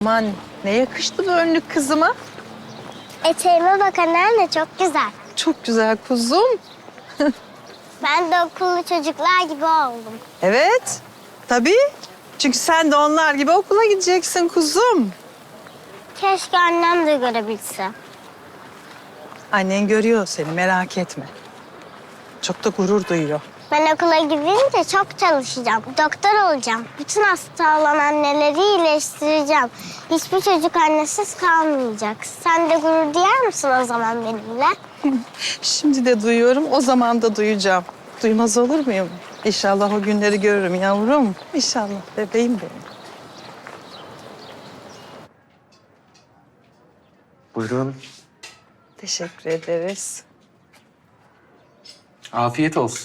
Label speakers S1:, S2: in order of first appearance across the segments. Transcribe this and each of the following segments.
S1: Aman ne yakıştı bu önlük kızıma.
S2: Eteğime bak anneanne, çok güzel.
S1: Çok güzel kuzum.
S2: Ben de okullu çocuklar gibi oldum.
S1: Evet, tabii. Çünkü sen de onlar gibi okula gideceksin kuzum.
S2: Keşke annem de görebilse.
S1: Annen görüyor seni, merak etme. Çok da gurur duyuyor.
S2: Ben okula gidince çok çalışacağım. Doktor olacağım. Bütün hasta olan anneleri iyileştireceğim. Hiçbir çocuk annesiz kalmayacak. Sen de gurur duyar mısın o zaman benimle?
S1: Şimdi de duyuyorum, o zaman da duyacağım. Duymaz olur muyum? İnşallah o günleri görürüm yavrum. İnşallah bebeğim benim.
S3: Buyurun.
S1: Teşekkür ederiz.
S3: Afiyet olsun.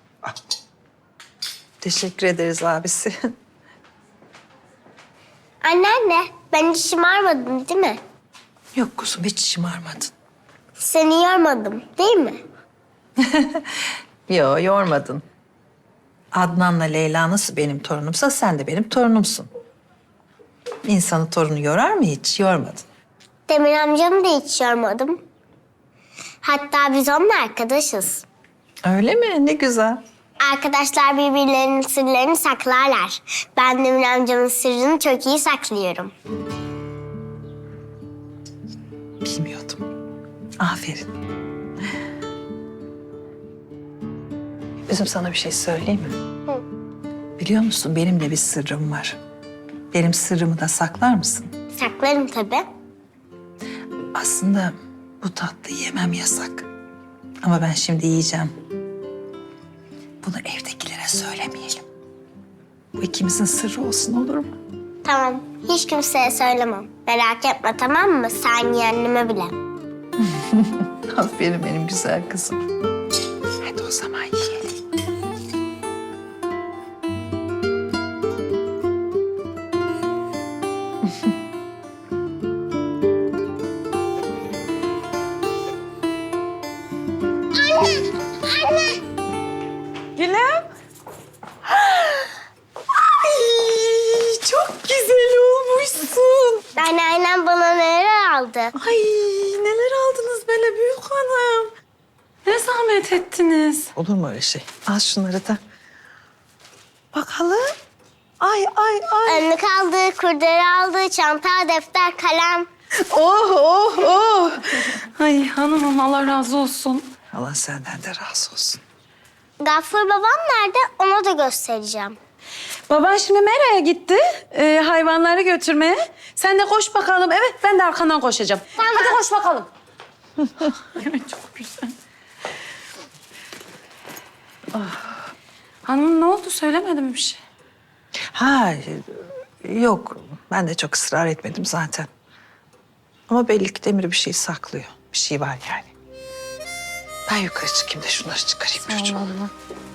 S1: Teşekkür ederiz abisi.
S2: Anneanne, ben hiç şımarmadım değil mi?
S1: Yok kuzum, hiç şımarmadın.
S2: Seni yormadım değil mi?
S1: Yo, yormadın. Adnan'la Leyla nasıl benim torunumsa sen de benim torunumsun. İnsanı torunu yorar mı hiç? Yormadın.
S2: Demir amcamı da hiç yormadım. Hatta biz onunla arkadaşız.
S1: Öyle mi? Ne güzel.
S2: Arkadaşlar birbirlerinin sırlarını saklarlar. Ben Demir amcamın sırrını çok iyi saklıyorum.
S1: Bilmiyordum. Aferin. Üzüm, sana bir şey söyleyeyim mi?
S2: Hı.
S1: Biliyor musun, benim de bir sırrım var. Benim sırrımı da saklar mısın?
S2: Saklarım tabii.
S1: Aslında bu tatlıyı yemem yasak. Ama ben şimdi yiyeceğim. Bunu evdekilere söylemeyelim. Bu ikimizin sırrı olsun, olur mu?
S2: Tamam, hiç kimseye söylemem. Merak etme, tamam mı? Sen yeğenime bile.
S1: Aferin benim güzel kızım. Hadi o zaman yiyelim.
S2: Anne!
S1: Gülüm. Ay, çok güzel olmuşsun.
S2: Anneannem bana neler aldı?
S4: Ay neler aldınız böyle büyük hanım. Ne zahmet ettiniz.
S1: Olur mu öyle şey? Al şunları da. Bakalım. Ay, ay, ay.
S2: Önlük aldı, kurdele aldı, çanta, defter, kalem.
S1: Oh, oh, oh.
S4: Ay hanımım Allah razı olsun.
S1: Allah senden de razı olsun.
S2: Gaffur babam nerede? Ona da göstereceğim.
S4: Baban şimdi Mera'ya gitti hayvanları götürmeye. Sen de koş bakalım. Evet ben de arkandan koşacağım.
S2: Tamam.
S4: Hadi koş bakalım. Evet çok güzel. Hanımım ne oldu söylemedim bir şey.
S1: Ha, yok. Ben de çok ısrar etmedim zaten. Ama belli ki Demir bir şey saklıyor. Bir şey var yani. Ben yukarı çıkayım da şunları çıkarayım çocuğum.
S4: Allah.